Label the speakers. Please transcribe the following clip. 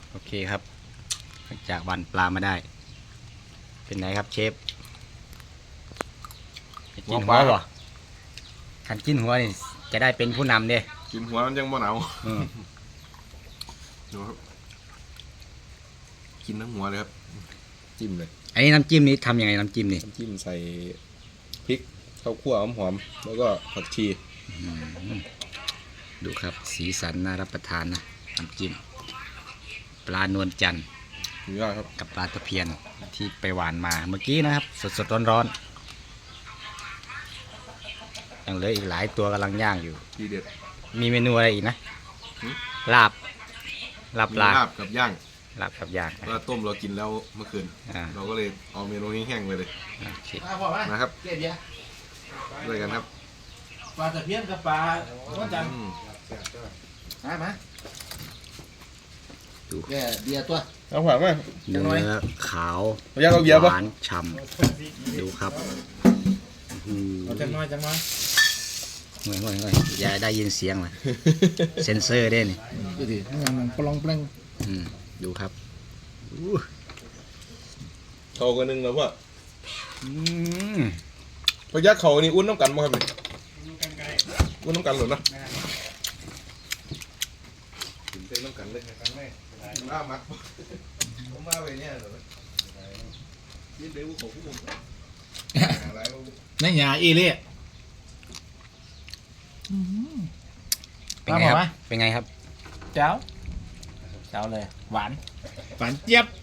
Speaker 1: โอเคครับจากวันปลามาได้เป็นไงครับเชฟจะกินหัวบ่ขันกินหัวนี่จะได้เป็นผู้นำเด้
Speaker 2: กินหัวมันยังบ่หนาว
Speaker 1: อืม
Speaker 2: ดูครับกินทั้งหัวเลยครับจิ้มเลย
Speaker 1: อันนี้น้ำจิ้มนี้ทำยังไงน้ำจิ้มนี่
Speaker 2: น้ำจิ้มใส่พริกข้าวคั่วหอมๆแล้วก็ผักชี
Speaker 1: ดูครับสีสันน่ารับประทานนะน้ำจิ้มปลานวลจันทร์
Speaker 2: สุดยอดครับ
Speaker 1: กับปลาตะเพียนที่ไปหวานมาเมื่อกี้นะครับสดๆร้อนๆยังเหลืออีกหลายตัวกำลังย่างอยู่
Speaker 2: ทีเด็ด
Speaker 1: มีเมนูอะไรอีกนะ
Speaker 2: หือ
Speaker 1: ลาบลาบ
Speaker 2: มี
Speaker 1: ปลา
Speaker 2: ลาบกับย่าง
Speaker 1: ลาบกับย่าง
Speaker 2: ก็ต้มเรากินแล้วเมื่อคืน
Speaker 1: อ่า
Speaker 2: เราก็เลยเอาเมนูนี้แห้งไปเลย
Speaker 1: โอเค
Speaker 2: นะครับ
Speaker 3: เกียรติยะ
Speaker 2: ด้วยกันครับ
Speaker 3: ปลาตะเพียนกับปลาว่าจัน
Speaker 2: อืม
Speaker 3: มาแกเบียร์ตัว
Speaker 2: เอาผักไหม
Speaker 1: เนื้อขาว
Speaker 2: เอาย่างเอาเบียร์
Speaker 1: ห
Speaker 2: ปะ
Speaker 1: วานฉ่ำดูครับ
Speaker 3: เอาจังน้อย
Speaker 1: เฮ้ยอย่าได้ยินเสียงเลยเซ็นเซอร์ได้นี่
Speaker 3: ดูดิมันปลองเปล่ง
Speaker 1: ดูครับ
Speaker 2: เขากันนึงแล้วว่า
Speaker 1: อืม
Speaker 2: พยักเขานี่อุ้นน้ำกันมั้งครับนี่อุ้นน้ำกันหรือนะถึงเส้นน้ำกันเลยมามักผมมาไปเนี่ยเหรอยินดีว่าของผู้ผมอะไรวะ
Speaker 3: ในหยาอีเล่
Speaker 1: เป็นไงครับเป็นไงครับ
Speaker 3: เจ้าเลยหวานเจี๊ยบ